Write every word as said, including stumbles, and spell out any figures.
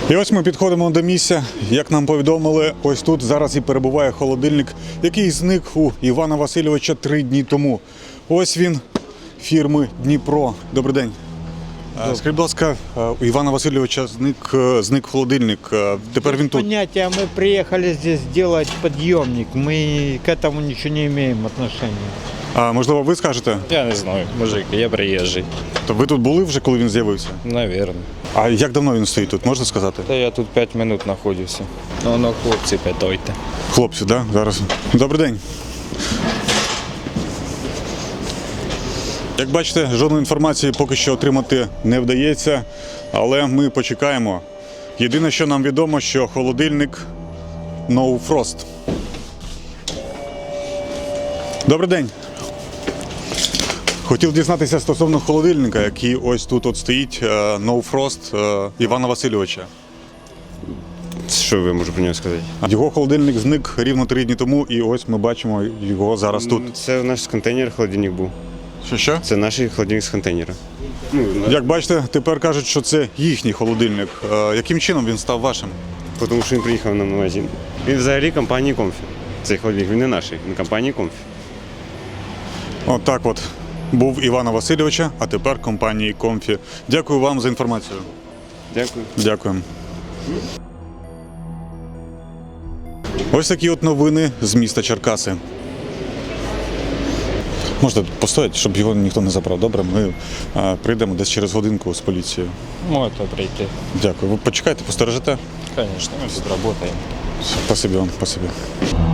І ось ми підходимо до місця. Як нам повідомили, ось тут зараз і перебуває холодильник, який зник у Івана Васильовича три дні тому. Ось він, фірми Дніпро. Добрий день. Добрый. Скажіть, будь ласка, у Івана Васильовича зник, зник холодильник. Тепер він тут. Понятия, мы приехали здесь делать подъемник. Мы к этому ничего не имеем отношения. А можливо, ви скажете? Я не знаю, мужик, я приїжджий. То ви тут були вже, коли він з'явився? Навірно. А як давно він стоїть тут, можна сказати? Та я тут п'ять минут знаходжуся. Ну, ну, хлопці, питайте. Хлопці, так? Да? Зараз. Добрий день. Як бачите, жодної інформації поки що отримати не вдається, але ми почекаємо. Єдине, що нам відомо, що холодильник No Frost. Добрий день. Хотів дізнатися стосовно холодильника, який ось тут от стоїть, No Frost Івана Васильовича. Що ви можете про нього сказати? Його холодильник зник рівно три дні тому, і ось ми бачимо його зараз тут. Це наш контейнер холодильник був. Що що? Це наш холодильник з контейнера. Ну, Як бачите, тепер кажуть, що це їхній холодильник. Е, Яким чином він став вашим? Тому що він приїхав на магазин. Він взагалі компанії Комфі. Цей холодильник, він не наш, він компанії Комфі. От так от. Був Івана Васильовича, а тепер компанії Комфі. Дякую вам за інформацію. Дякую. Дякуємо. Ось такі от новини з міста Черкаси. Можете постояти, щоб його ніхто не забрав. Добре, ми а, прийдемо десь через годинку з поліцією. Можете прийти. Дякую. Ви почекайте, постережете? Звісно, ми тут працюємо. Спасибі вам, спасибі.